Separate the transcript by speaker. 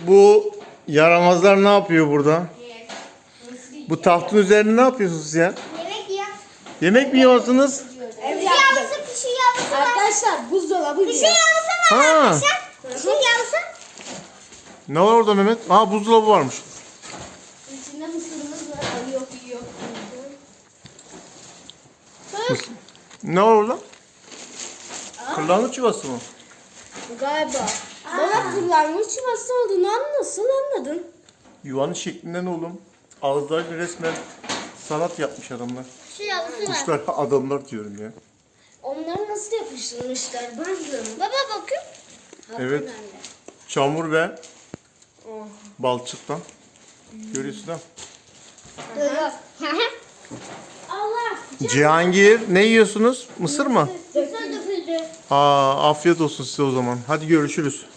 Speaker 1: Bu yaramazlar ne yapıyor burada? Bu tahtın üzerinde ne yapıyorsunuz ya?
Speaker 2: Yemek yiyor.
Speaker 1: Yemek mi yiyorsunuz?
Speaker 2: Ev yaptık. Pişi yavrusu var.
Speaker 3: Arkadaşlar buzdolabı
Speaker 2: Pişi
Speaker 3: diyor.
Speaker 2: yavrusu var
Speaker 1: Ha.
Speaker 2: arkadaşlar. Pişi yavrusu.
Speaker 1: Ne var orada Mehmet? Aa, buzdolabı varmış.
Speaker 3: İçinde mısırımız var. Ay yok yok.
Speaker 1: Ne var orada? Kırlangıç yuvası mı?
Speaker 3: Galiba. Bana kullanmış yuvası olduğunu nasıl anladın?
Speaker 1: Yuvanın şeklinde ne oğlum? Ağızlarıyla resmen sanat yapmış adamlar.
Speaker 2: Pişi yavrusu var.
Speaker 1: Kuşlar adamlar diyorum ya.
Speaker 3: Onları nasıl yapıştırmışlar? Ben de.
Speaker 2: Baba bakın.
Speaker 1: Evet. Çamur ve balçıktan. Görüyorsun ha?
Speaker 3: Allah.
Speaker 1: Cihangir, ne yiyorsunuz? Mısır mı?
Speaker 2: Mısır döküldü.
Speaker 1: Aa, afiyet olsun size o zaman. Hadi görüşürüz.